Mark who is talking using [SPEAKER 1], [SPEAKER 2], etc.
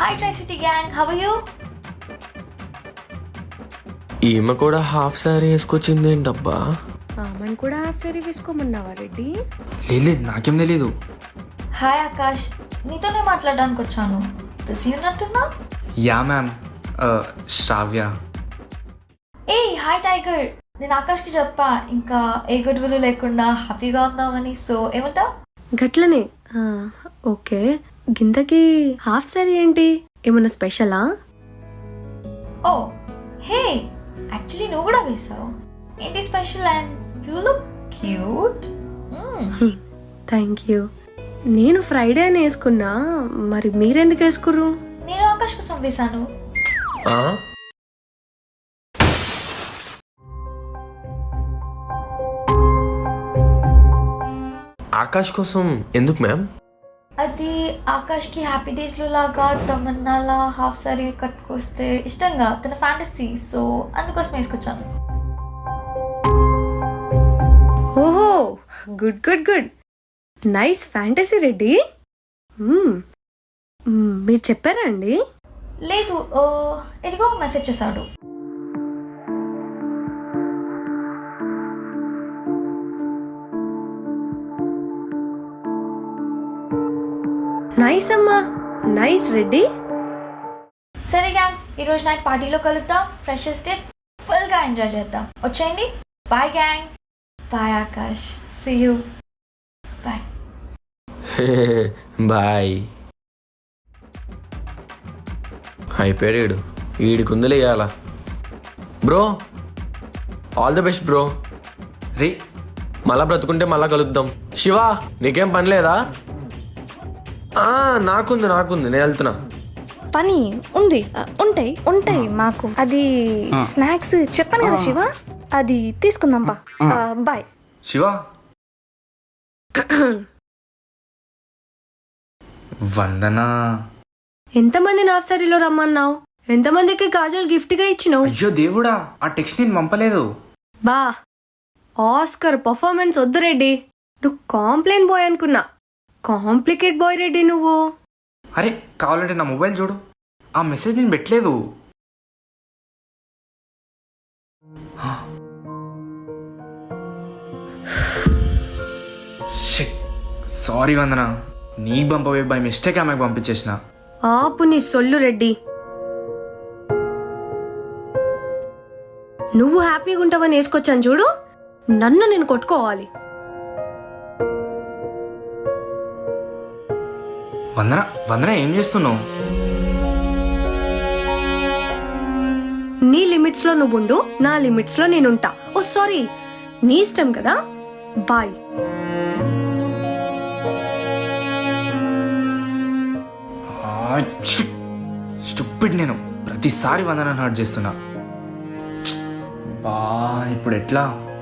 [SPEAKER 1] Hi Tri-City gang, how are you?
[SPEAKER 2] ఈమె కూడా half sorry వేసుకొచ్చింది ఏంటబ్బా?
[SPEAKER 3] ఆమెను కూడా హాఫ్ సారీ వేసుకోమన్నావా రెడ్డి?
[SPEAKER 4] లేదు నాకేం తెలీదు.
[SPEAKER 1] హాయ్ ఆకాష్, నీతోనే మాట్లాడడానికి వచ్చాను. బిజీ ఉన్నట్టున్నా?
[SPEAKER 4] Yeah ma'am, Sravya.
[SPEAKER 1] ఏ హాయ్ టైగర్, నేను ఆకాష్కి చెప్పా ఇంకా ఏ గొడవలు లేకుండా హ్యాపీగా ఉందామని. సో ఏమంటా?
[SPEAKER 3] గట్లనే. ఓకే, గింతకి హాఫ్ సారీ ఏంటి, ఏమన్నా స్పెషలా?
[SPEAKER 1] ఓ హే, యాక్చువల్లీ నువ్వు కూడా వేసావు. ఏంటి special? And you look cute.
[SPEAKER 3] Thank you. నేను ఫ్రైడే అని వేసుకున్నా, మరి మీరెందుకు వేసుకుర్రు?
[SPEAKER 1] నేను ఆకాష్ కోసం వేశాను.
[SPEAKER 2] ఆ? ఆకాష్ కోసం ఎందుకు మ్యామ్?
[SPEAKER 1] అది ఆకాష్కి హ్యాపీ డేస్లో లాగా తమన్నాలా హాఫ్ సారీ కట్టుకొస్తే ఇష్టంగా, తన ఫ్యాంటసీ. సో అందుకోసం వేసుకొచ్చాను.
[SPEAKER 3] ఓహో, good good good, nice fantasy Reddy. మీరు చెప్పారా అండి?
[SPEAKER 1] లేదు, ఇదిగో మెసేజ్ చేశాడు.
[SPEAKER 3] నైస్ అమ్మా, నైస్ రెడ్డి.
[SPEAKER 1] సరే గ్యాంగ్, ఈరోజు నైట్ పార్టీలో కలుద్దాం. ఫ్రెషర్స్ డే ఫుల్గా ఎంజాయ్ చేద్దాం. వచ్చేయండి. Bye gang. Bye Akash. See you. Bye.
[SPEAKER 2] Bye. అయిపోయాడు వీడికి ఉందిలే ఇవాళ. Bro all the best bro.
[SPEAKER 4] రే,
[SPEAKER 2] మళ్ళా బ్రతుకుంటే మళ్ళా కలుద్దాం. శివ నీకేం పని లేదా? నాకుంది నేను వెళ్తున్నా.
[SPEAKER 5] పని ఉంది, ఉంటాయి మాకు. అది స్నాక్స్ చెప్పాను కదా శివ, అది తీసుకుందాం పా. బాయ్
[SPEAKER 4] శివ. వందనా.
[SPEAKER 3] ఎంతమందిని హాఫ్ సారీలో రమ్మన్నావు? ఎంతమందికి కాజల్ గిఫ్ట్గా ఇచ్చినావు?
[SPEAKER 4] అయ్యో దేవుడా, ఆ టెక్స్ట్ నేను పంపలేదు.
[SPEAKER 3] బా, ఆస్కర్ పర్ఫార్మెన్స్ వద్దు రెడ్డి. నువ్వు కాంప్లైంట్ బాయ్ అనుకున్నా, కాంప్లికేట్ బాయ్ రెడ్డి నువ్వు.
[SPEAKER 4] అరే కావాలంటే నా మొబైల్ చూడు, ఆ మెసేజ్ నేను పెట్టలేదు. సారీ వందనా, నీకు పంపవే బై మిస్టేక్ ఆమెకు పంపించేసిన.
[SPEAKER 3] ఆపు నీ సొల్లు రెడ్డి. నువ్వు హ్యాపీగా ఉంటావని వేసుకొచ్చాను చూడు, నన్ను నేను కొట్టుకోవాలి.
[SPEAKER 4] వందన ఏం చేస్తున్నావు?
[SPEAKER 3] నీ లిమిట్స్ లో నువ్వు ఉండు, నా లిమిట్స్ లో నేనుంటా. ఓ సారీ, నీ ఇష్టం కదా. బాయ్.
[SPEAKER 4] స్టూపిడ్, నేను ప్రతిసారి వందన హర్ట్ చేస్తున్నా. బా ఇప్పుడు ఎట్లా?